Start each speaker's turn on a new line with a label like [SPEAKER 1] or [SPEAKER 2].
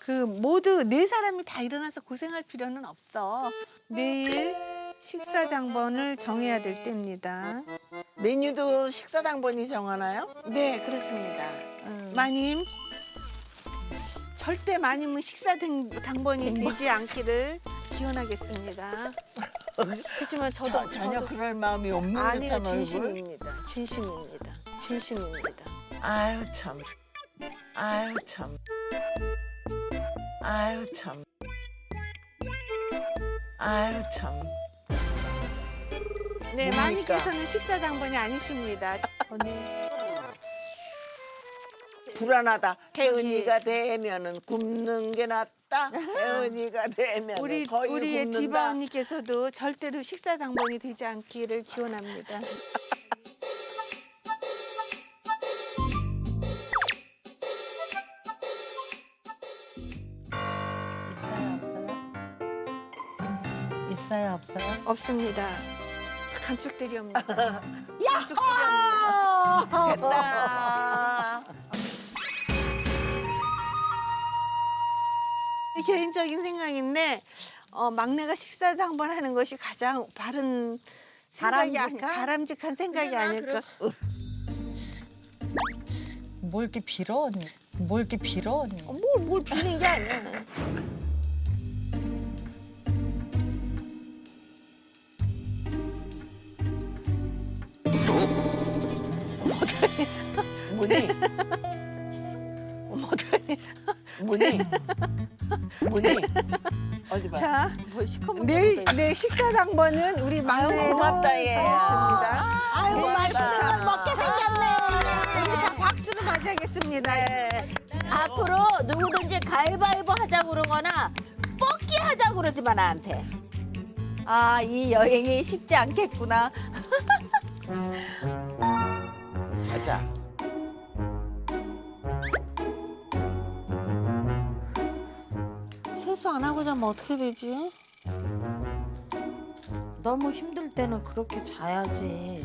[SPEAKER 1] 모두 네 사람이 다 일어나서 고생할 필요는 없어. 내일 식사 당번을 정해야 될 때입니다.
[SPEAKER 2] 메뉴도 식사 당번이 정하나요?
[SPEAKER 1] 네, 그렇습니다. 마님, 절대 마님은 식사 당번이 되지 않기를 기원하겠습니다. 그렇지만
[SPEAKER 2] 전혀 그럴 마음이 없는
[SPEAKER 1] 아니요,
[SPEAKER 2] 듯한 얼굴.
[SPEAKER 1] 진심입니다. 진심입니다. 진심입니다.
[SPEAKER 2] 아유 참. 아유 참. 아유 참. 아유 참.
[SPEAKER 1] 네,
[SPEAKER 2] 뭡니까?
[SPEAKER 1] 마님께서는 식사 당번이 아니십니다.
[SPEAKER 2] 불안하다. 혜은이가 되면은 굶는 게 낫다. 혜은이가 되면 거의
[SPEAKER 1] 우리의
[SPEAKER 2] 굶는다.
[SPEAKER 1] 디바 언니께서도 절대로 식사 당번이 되지 않기를 기원합니다.
[SPEAKER 3] 있어요, 없어요?
[SPEAKER 1] 없습니다. 감축드리옵니다.
[SPEAKER 2] 됐다.
[SPEAKER 1] 개인적인 생각인데 막내가 식사 당번하는 것이 가장 바른 바람직한 생각이 아닐까.
[SPEAKER 3] 뭘 이렇게 빌어, 언니? 뭘 이렇게 빌어, 언니?
[SPEAKER 1] 뭘 비는 게 아니야.
[SPEAKER 2] 문이. 문이. 문이. 어디 봐.
[SPEAKER 1] 자,
[SPEAKER 3] 뭘 시커멓게
[SPEAKER 1] 내 식사 당번은 우리 막내로
[SPEAKER 2] 고맙다, 얘.
[SPEAKER 1] 정했습니다.
[SPEAKER 2] 아유,
[SPEAKER 1] 네,
[SPEAKER 2] 맛있는
[SPEAKER 1] 자,
[SPEAKER 2] 걸 먹게 생겼네.
[SPEAKER 1] 우리 다 박수로 맞이하겠습니다.
[SPEAKER 2] 네.
[SPEAKER 4] 앞으로 누구든지 가위바위보 하자고 그러거나 뽑기 하자고 그러지 마 나한테.
[SPEAKER 3] 아, 이 여행이 쉽지 않겠구나.
[SPEAKER 2] 자자.
[SPEAKER 1] 세수 안 하고 자면 어떻게 되지?
[SPEAKER 3] 너무 힘들 때는 그렇게 자야지.